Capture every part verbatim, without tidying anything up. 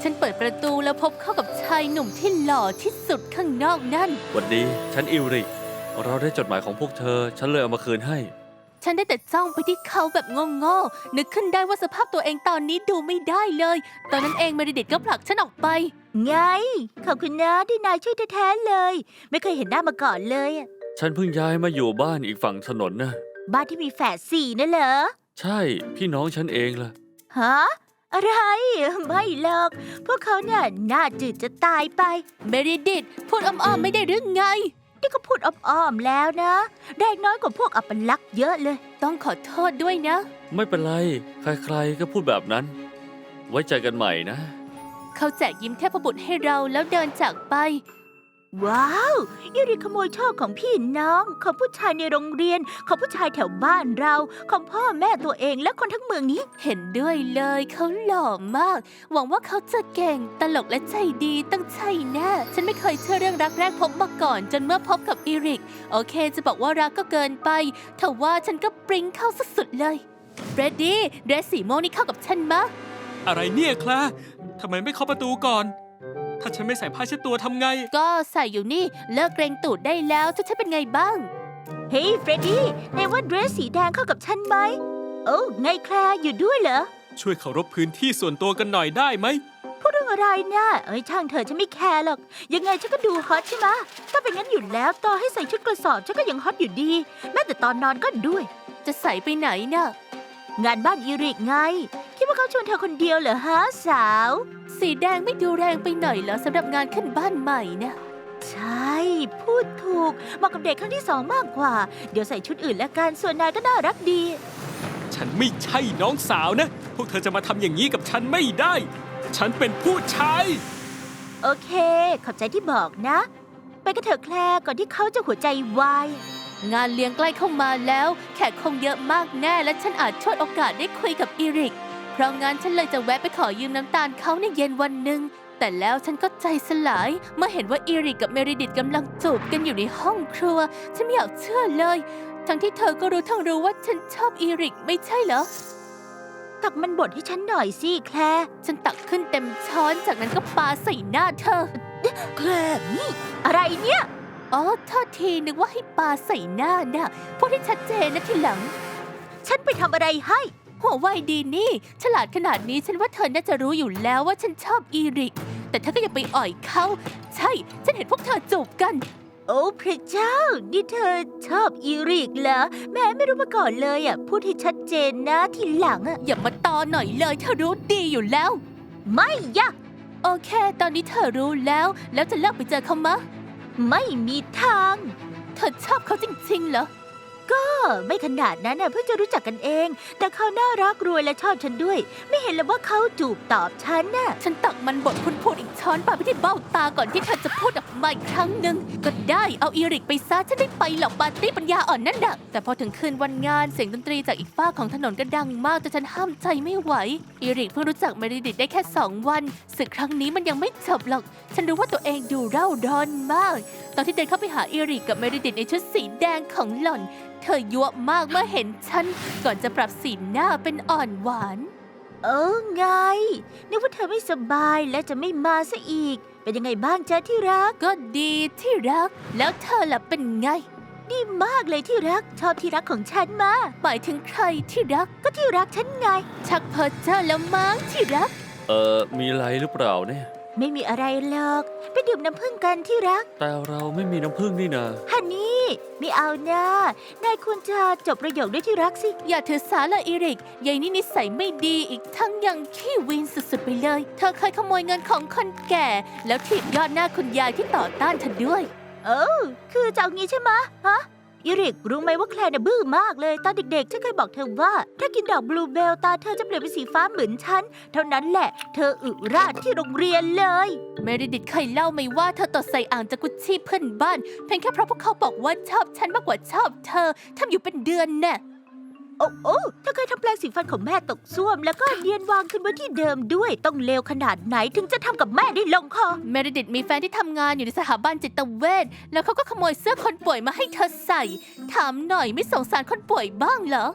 ฉันเปิดประตูแล้วพบเข้ากับชายหนุ่มที่หล่อที่สุดข้างนอกนั่นหวัดดี ฉันอิวริก เราได้จดหมายของพวกเธอ ฉันเลยเอามาคืนให้ฉันได้แต่จ้องไปที่เขาแบบโง่ๆนึกขึ้นได้ว่าสภาพตัวเองตอนนี้ดูไม่ได้เลย ตอนนั้นเองเมริดิตก็ผลักฉันออกไปไง ขอบคุณนะที่นายช่วยแท้ๆเลย ไม่เคยเห็นหน้ามาก่อนเลยอะฉันเพิ่งย้ายมาอยู่บ้านอีกฝั่งถนนนะบ้านที่มีแฝดสี่นั่นเหรอใช่ พี่น้องฉันเองล่ะฮะ อะไร ไม่หรอก พวกเขาเนี่ยน่าจืดจะตายไปเมริดิตพูดอ้อมๆไม่ได้หรือไงนี่ก็พูดอ้อมๆแล้วนะ ได้น้อยกว่าพวกอัปลักษณ์เยอะเลยต้องขอโทษด้วยนะไม่เป็นไร ใครๆ ก็พูดแบบนั้น ไว้ใจกันใหม่นะเขาแจกยิ้มเทพบุตรให้เราแล้วเดินจากไปว้าวยูริขโมยโชคของพี่น้อง ของผู้ชายในโรงเรียน ของผู้ชายแถวบ้านเรา ของพ่อแม่ตัวเองและคนทั้งเมืองนี้เห็นด้วยเลยเขาหล่อมาก หวังว่าเขาจะเก่งตลกและใจดีตั้งใจแน่ฉันไม่เคยเชื่อเรื่องรักแรกพบมาก่อน จนเมื่อพบกับอีริก โอเคจะบอกว่ารักก็เกินไปแต่ว่าฉันก็ปริ้งเข้าสุดๆเลยเบรดดี้เดรสสีม่วงนี่เข้ากับฉันมะอะไรเนี่ยแคลร์ทำไมไม่เคาะประตูก่อน ถ้าฉันไม่ใส่ผ้าเช็ดตัวทำไงก็ใส่อยู่นี่เลิกเกรงตูดได้แล้วจะฉันเป็นไงบ้างเฮ้ยเฟรดดี้นายว่าเดรสสีแดงเข้ากับฉันไหมโอ้ไงแคลร์อยู่ด้วยเหรอช่วยเคารพพื้นที่ส่วนตัวกันหน่อยได้ไหมพูดเรื่องอะไรเนี่ยเอ้ยช่างเถอะฉันไม่แคร์หรอก ยังไงฉันก็ดูฮอตใช่ไหมะถ้าเป็นงั้นอยู่แล้วต่อให้ใส่ชุดกระสอบฉันก็ยังฮอตอยู่ดี แม้แต่ตอนนอนก็ด้วยจะใส่ไปไหนน่ะงานบ้านอีริกไง คิดว่าเขาชวนเธอคนเดียวเหรอฮะสาวสีแดงไม่ดูแรงไปหน่อยเหรอสำหรับงานขึ้นบ้านใหม่นะใช่ พูดถูกเหมาะกับเด็กครั้งที่สองมากกว่า เดี๋ยวใส่ชุดอื่นแล้วกันส่วนนายก็น่ารักดีฉันไม่ใช่น้องสาวนะ พวกเธอจะมาทำอย่างนี้กับฉันไม่ได้ ฉันเป็นผู้ชายโอเค ขอบใจที่บอกนะ ไปกันเถอะแคลร์ก่อนที่เขาจะหัวใจวายงานเลี้ยงใกล้เข้ามาแล้วแขกคงเยอะมากแน่และฉันอาจช่วยโอกาสได้คุยกับอีริก เพราะงั้นฉันเลยจะแวะไปขอยืมน้ำตาลเขาในเย็นวันหนึ่งแต่แล้วฉันก็ใจสลายเมื่อเห็นว่าอีริกกับเมริดิตกำลังจูบกันอยู่ในห้องครัวฉันไม่อยากเชื่อเลย ทั้งที่เธอก็รู้ทั้งรู้ว่าฉันชอบอีริกไม่ใช่เหรอตักมันบดให้ฉันหน่อยสิแคลร์ฉันตักขึ้นเต็มช้อนจากนั้นก็ปาใส่หน้าเธอแคลร์นี่อะไรเนี่ยอ๋อโทษทีนึกว่าให้ปาใส่หน้าน่ะพูดให้ชัดเจนนะทีหลังฉันไปทำอะไรให้หัวไวดีนี่ ฉลาดขนาดนี้ฉันว่าเธอน่าจะรู้อยู่แล้วว่าฉันชอบอีริก แต่เธอก็ยังไปอ่อยเขาใช่ ฉันเห็นพวกเธอจูบกันโอ้พระเจ้า นี่เธอชอบอีริกเหรอแม่ไม่รู้มาก่อนเลยอ่ะ พูดให้ชัดเจนนะทีหลังอ่ะอย่ามาตอหน่อยเลยเธอรู้ดีอยู่แล้วไม่ยะโอเค ตอนนี้เธอรู้แล้ว แล้วจะเลิกไปเจอเขามะไม่มีทางเธอชอบเขาจริงๆเหรอก็ไม่ขนาดนั้นน่ะเพิ่งจะรู้จักกันเอง แต่เขาน่ารักรวยและชอบฉันด้วย ไม่เห็นเลยว่าเขาจูบตอบฉันน่ะฉันตักมันบดคุณพูดอีกช้อนปาไปที่เบ้าตาก่อนที่เธอจะพูดออกมาอีกครั้งหนึ่งก็ได้เอาอีริกไปซะฉันได้ไปหรอกปาร์ตี้ปัญญาอ่อนนั่นน่ะแต่พอถึงคืนวันงานเสียงดนตรีจากอีกฝ้ากของถนนก็ดังมากแต่ฉันห้ามใจไม่ไหวอีริกเพิ่งรู้จักเมริดิตได้แค่สองวันศึกครั้งนี้มันยังไม่จบหรอกฉันรู้ว่าตัวเองดูเร่าร้อนมากตอนที่เดินเข้าไปหาอีริกกับเมริดิตในชุดสีแดงของหล่อนเธอยั่วมากเมื่อเห็นฉันก่อนจะปรับสีหน้าเป็นอ่อนหวานเออไงนึกว่าเธอไม่สบายและจะไม่มาซะอีก เป็นยังไงบ้างจ๊ะที่รักก็ดีที่รัก แล้วเธอล่ะเป็นไงดีมากเลยที่รัก ชอบที่รักของฉันมาหมายถึงใครที่รักก็ที่รักฉันไงชักเพอเจอแล้วมั้งที่รักเออมีอะไรหรือเปล่าเนี่ยไม่มีอะไรหรอก ไปดื่มน้ำผึ้งกันที่รักแต่เราไม่มีน้ำผึ้งนี่นาฮันนี่ไม่เอานะนายควรจะจบประโยคด้วยที่รักสิอย่าถือสาละอีริกยายนี่นิสัยไม่ดีอีกทั้งยังขี้วินสุดๆไปเลย เธอเคยขโมยเงินของคนแก่ แล้วถีบยอดหน้าคุณยายที่ต่อต้านเธอด้วยเออคือจะเอางี้ใช่ไหมะฮะอีริกรู้ไหมว่าแคลร์น่ะบื้อมากเลย ตอนเด็กๆฉันเคยบอกเธอว่า ถ้ากินดอกบลูเบลตาเธอจะเปลี่ยนเป็นสีฟ้าเหมือนฉัน เท่านั้นแหละ เธออึราดที่โรงเรียนเลยเมริดิตเคยเล่าไหมว่าเธอตดใส่อ่างจากกุชชี่เพื่อนบ้าน เพียงแค่เพราะพวกเขาบอกว่าชอบฉันมากกว่าชอบเธอทำอยู่เป็นเดือนแน่โอ้โอ้เธอเคยทำแปลงสีฟันของแม่ตกส้วม แล้วก็เนียนวางขึ้นไว้ที่เดิมด้วย ต้องเลวขนาดไหนถึงจะทำกับแม่ได้ลงคอเมริดิตมีแฟนที่ทำงานอยู่ในสถาบันจิตเวชแล้วเขาก็ขโมยเสื้อคนป่วยมาให้เธอใส่ ถามหน่อยไม่สงสารคนป่วยบ้างเหรอแค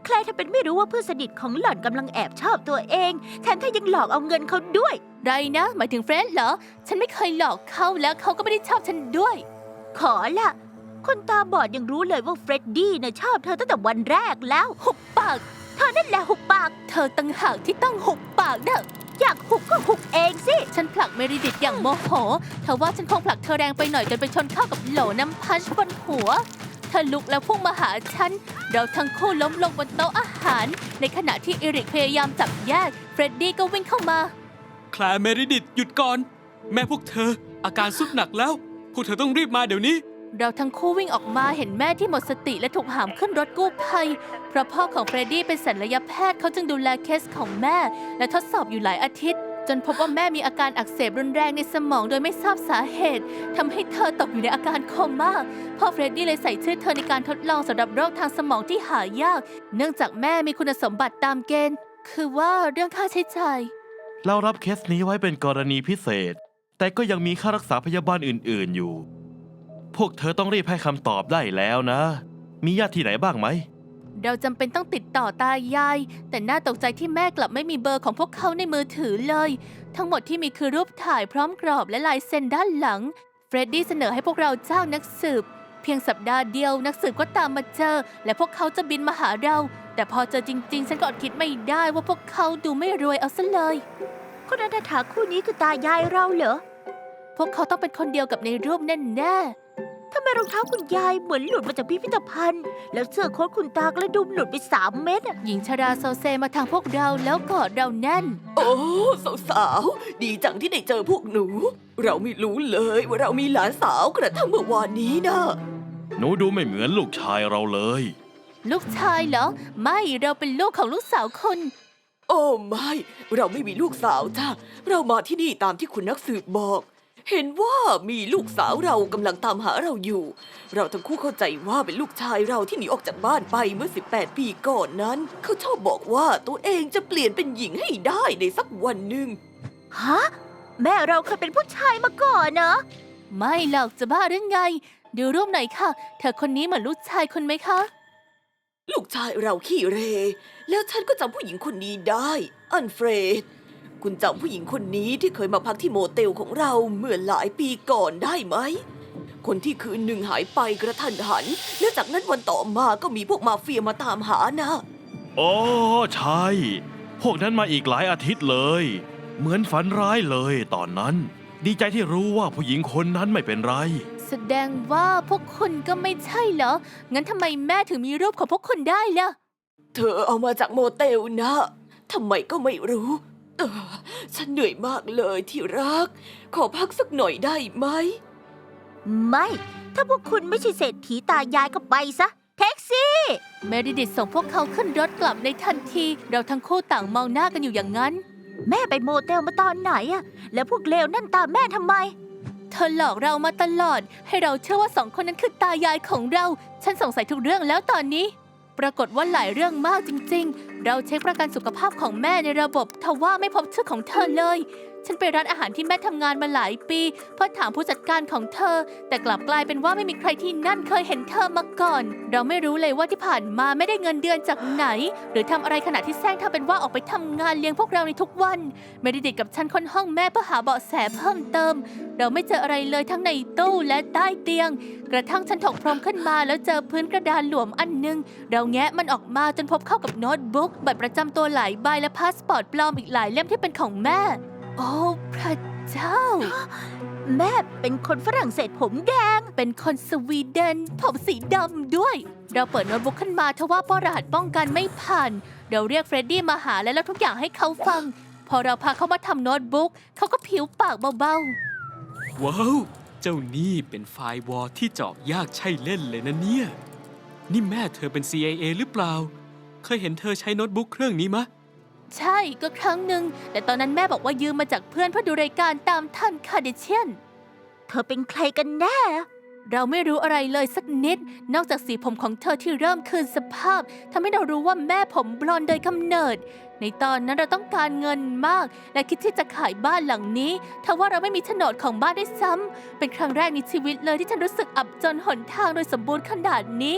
ลร์ทำเป็นไม่รู้ว่าเพื่อนสนิทของหล่อนกำลังแอบชอบตัวเองแถมเธอยังหลอกเอาเงินเขาด้วยไรนะ หมายถึงเฟรดเหรอ ฉันไม่เคยหลอกเขาแล้วเขาก็ไม่ได้ชอบฉันด้วยขอละคนตาบอดยังรู้เลยว่าเฟรดดี้น่ะชอบเธอตั้งแต่วันแรกแล้วหุบปากเธอนั่นแหละหุบปากเธอตั้งหากที่ต้องหุบปากเด้ออยากหุบก็หุบเองสิฉันผลักเมริดิตอย่างโมโหเธอว่าฉันคงผลักเธอแรงไปหน่อยจนไปชนเข้ากับโหลน้ำพัชบนหัว เธอลุกแล้วพุ่งมาหาฉัน เราทั้งคู่ล้มลงบนโต๊ะอาหาร ในขณะที่เอริกพยายามจับแยก เฟรดดี้ก็วิ่งเข้ามาแคลร์เมริดิตหยุดก่อน แม่พวกเธอ อาการสุดหนักแล้ว พวกเธอต้องรีบมาเดี๋ยวนี้เราทั้งคู่วิ่งออกมาเห็นแม่ที่หมดสติและถูกหามขึ้นรถกู้ภัย เพราะพ่อของเฟรดดี้เป็นศัลยแพทย์เขาจึงดูแลเคสของแม่ และทดสอบอยู่หลายอาทิตย์ จนพบว่าแม่มีอาการอักเสบรุนแรงในสมองโดยไม่ทราบสาเหตุทำให้เธอตกอยู่ในอาการโคม่าพ่อเฟรดดี้เลยใส่ชื่อเธอในการทดลองสำหรับโรคทางสมองที่หายาก เนื่องจากแม่มีคุณสมบัติตามเกณฑ์ คือว่าเรื่องค่าใช้จ่ายเรารับเคสนี้ไว้เป็นกรณีพิเศษ แต่ก็ยังมีค่ารักษาพยาบาลอื่นๆอยู่ พวกเธอต้องรีบให้คำตอบได้แล้วนะ มีญาติที่ไหนบ้างไหมเราจำเป็นต้องติดต่อตายาย แต่น่าตกใจที่แม่กลับไม่มีเบอร์ของพวกเขาในมือถือเลย ทั้งหมดที่มีคือรูปถ่ายพร้อมกรอบและลายเซ็นด้านหลัง เฟรดดี้เสนอให้พวกเราจ้างนักสืบ เพียงสัปดาห์เดียวนักสืบก็ตามมาเจอ และพวกเขาจะบินมาหาเรา แต่พอเจอจริง ๆ ฉันก็อดคิดไม่ได้ว่าพวกเขาดูไม่รวยเอาซะเลยคนอนาถาคู่นี้คือตายายเราเหรอพวกเขาต้องเป็นคนเดียวกับในรูปแน่ๆทำไมรองเท้าคุณยายเหมือนหลุดมาจากพิพิธภัณฑ์ แล้วเสื้อโค้ทคุณตากระดุมหลุดไปสามเม็ดอะหญิงชราโซเซมาทางพวกเราแล้วกอดเราแน่นโอ้สาวๆ ดีจังที่ได้เจอพวกหนู เราไม่รู้เลยว่าเรามีหลานสาวกระทั่งเมื่อวานนี้นะหนูดูไม่เหมือนลูกชายเราเลยลูกชายเหรอ ไม่เราเป็นลูกของลูกสาวคนโอ้ไม่ เราไม่มีลูกสาวจ้าเรามาที่นี่ตามที่คุณนักสืบบอก เห็นว่ามีลูกสาวเรากำลังตามหาเราอยู่ เราทั้งคู่เข้าใจว่าเป็นลูกชายเราที่หนีออกจากบ้านไปเมื่อสิบแปดปีก่อนนั้น เขาชอบบอกว่าตัวเองจะเปลี่ยนเป็นหญิงให้ได้ในสักวันหนึ่งฮะ แม่เราเคยเป็นผู้ชายมาก่อนเนอะไม่หรอกจะบ้าหรือไง ดูรูปหน่อยค่ะ เธอคนนี้เหมือนลูกชายคนไหมคะลูกชายเราขี้เหรแล้วฉันก็จำผู้หญิงคนนี้ได้ อันเฟรด คุณจำผู้หญิงคนนี้ที่เคยมาพักที่โมเตลของเราเมื่อหลายปีก่อนได้ไหม คนที่คืนหนึ่งหายไปกระทันหัน และจากนั้นวันต่อมาก็มีพวกมาเฟียมาตามหานะโอ้ใช่ พวกนั้นมาอีกหลายอาทิตย์เลย เหมือนฝันร้ายเลยตอนนั้น ดีใจที่รู้ว่าผู้หญิงคนนั้นไม่เป็นไรแสดงว่าพวกคุณก็ไม่ใช่เหรอ งั้นทำไมแม่ถึงมีรูปของพวกคุณได้ล่ะเธอเอามาจากโมเตลนะทำไมก็ไม่รู้เออฉันเหนื่อยมากเลยที่รัก ขอพักสักหน่อยได้ไหมไม่ ถ้าพวกคุณไม่ใช่เศรษฐีตายายก็ไปซะ แท็กซี่เมริดิตส่งพวกเขาขึ้นรถกลับในทันที เราทั้งคู่ต่างมองหน้ากันอยู่อย่างนั้นแม่ไปโมเตลมาตอนไหนอะแล้วพวกเลวนั่นตามแม่ทำไมเธอหลอกเรามาตลอด ให้เราเชื่อว่าสองคนนั้นคือตายายของเรา ฉันสงสัยทุกเรื่องแล้วตอนนี้ ปรากฏว่าหลายเรื่องมากจริงๆ เราเช็คประกันสุขภาพของแม่ในระบบทว่าไม่พบชื่อของเธอเลย ฉันไปร้านอาหารที่แม่ทำงานมาหลายปีเพื่อถามผู้จัดการของเธอ แต่กลับกลายเป็นว่าไม่มีใครที่นั่นเคยเห็นเธอมาก่อน เราไม่รู้เลยว่าที่ผ่านมาไม่ได้เงินเดือนจากไหน หรือทำอะไรขณะที่แซงทำเป็นว่าออกไปทำงานเลี้ยงพวกเราในทุกวันเมริดิตกับฉันค้นห้องแม่เพื่อหาเบาะแสเพิ่มเติม เราไม่เจออะไรเลยทั้งในตู้และใต้เตียง กระทั่งฉันถกพรมขึ้นมาแล้วเจอพื้นกระดานหลวมอันนึง เราแงะมันออกมาจนพบเข้ากับโน้ตบุ๊กบัตรประจำตัวหลายใบและพาสปอร์ตปลอมอีกหลายเล่มที่เป็นของแม่ โอ้พระเจ้าแม่เป็นคนฝรั่งเศสผมแดงเป็นคนสวีเดนผมสีดำด้วย เราเปิดโน้ตบุ๊กขึ้นมาทว่าป้อรหัสป้องกันไม่ผ่าน เราเรียกเฟรดดี้มาหาและเล่าทุกอย่างให้เขาฟัง พอเราพาเขามาทำโน้ตบุ๊กเขาก็ผิวปากเบาว้าว เจ้านี่เป็นไฟล์วอลที่เจาะยากใช่เล่นเลยนะเนี่ย นี่แม่เธอเป็น ซี ไอ เอ หรือเปล่า เคยเห็นเธอใช้โน้ตบุ๊กเครื่องนี้มะๆ ใช่ก็ครั้งหนึ่งแต่ตอนนั้นแม่บอกว่ายืมมาจากเพื่อนเพื่อดูรายการตามทันคาเดเชียนเธอเป็นใครกันแน่เราไม่รู้อะไรเลยสักนิด นอกจากสีผมของเธอที่เริ่มคืนสภาพทำให้เรารู้ว่าแม่ผมบลอนด์โดยกำเนิด ในตอนนั้นเราต้องการเงินมาก และคิดที่จะขายบ้านหลังนี้ทว่าเราไม่มีโฉนดของบ้านได้วยซ้ำเป็นครั้งแรกในชีวิตเลยที่ฉันรู้สึกอับจนหนทางโดยสมบูรณ์ขนาดนี้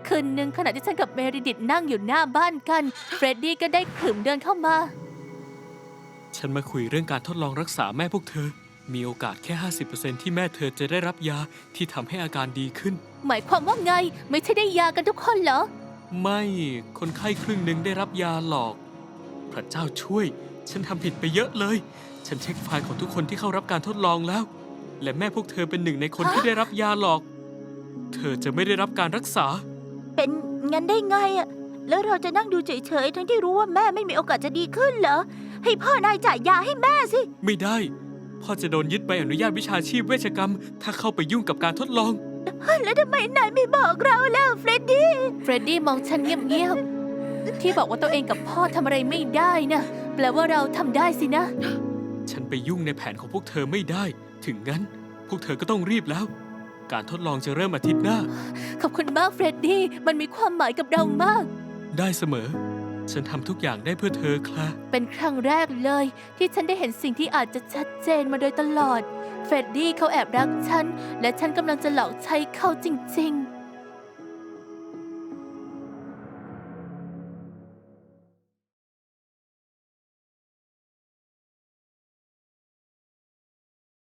คืนหนึ่งขณะที่ฉันกับเมริดิตนั่งอยู่หน้าบ้านกัน เฟรดดี้ก็ได้ขรึมเดินเข้ามาฉันมาคุยเรื่องการทดลองรักษาแม่พวกเธอ มีโอกาสแค่ ห้าสิบเปอร์เซ็นต์ ที่แม่เธอจะได้รับยาที่ทำให้อาการดีขึ้นหมายความว่าไง ไม่ใช่ได้ยากันทุกคนเหรอไม่คนไข้ครึ่งหนึ่งได้รับยาหลอก พระเจ้าช่วย ฉันทำผิดไปเยอะเลย ฉันเช็คไฟล์ของทุกคนที่เข้ารับการทดลองแล้ว และแม่พวกเธอเป็นหนึ่งในคนที่ได้รับยาหลอก เธอจะไม่ได้รับการรักษาเป็นงั้นได้ไงอะแล้วเราจะนั่งดูเฉยๆทั้งที่รู้ว่าแม่ไม่มีโอกาสจะดีขึ้นเหรอ ให้พ่อนายจ่ายยาให้แม่สิไม่ได้ พ่อจะโดนยึดใบอนุญาตวิชาชีพเวชกรรม ถ้าเข้าไปยุ่งกับการทดลองแล้วทำไมนายไม่บอกเราล่ะเฟรดดี้เฟรดดี้มองฉันเงียบๆ ที่บอกว่าตัวเองกับพ่อทำอะไรไม่ได้นะ แปลว่าเราทำได้สินะฉันไปยุ่งในแผนของพวกเธอไม่ได้ ถึงงั้น พวกเธอก็ต้องรีบแล้ว การทดลองจะเริ่มอาทิตย์หน้าขอบคุณมากเฟรดดี้ มันมีความหมายกับเรามากได้เสมอ ฉันทำทุกอย่างได้เพื่อเธอคลาเป็นครั้งแรกเลย ที่ฉันได้เห็นสิ่งที่อาจจะชัดเจนมาโดยตลอด เฟรดดี้เขาแอบรักฉัน และฉันกำลังจะหลอกใช้เขาจริงๆ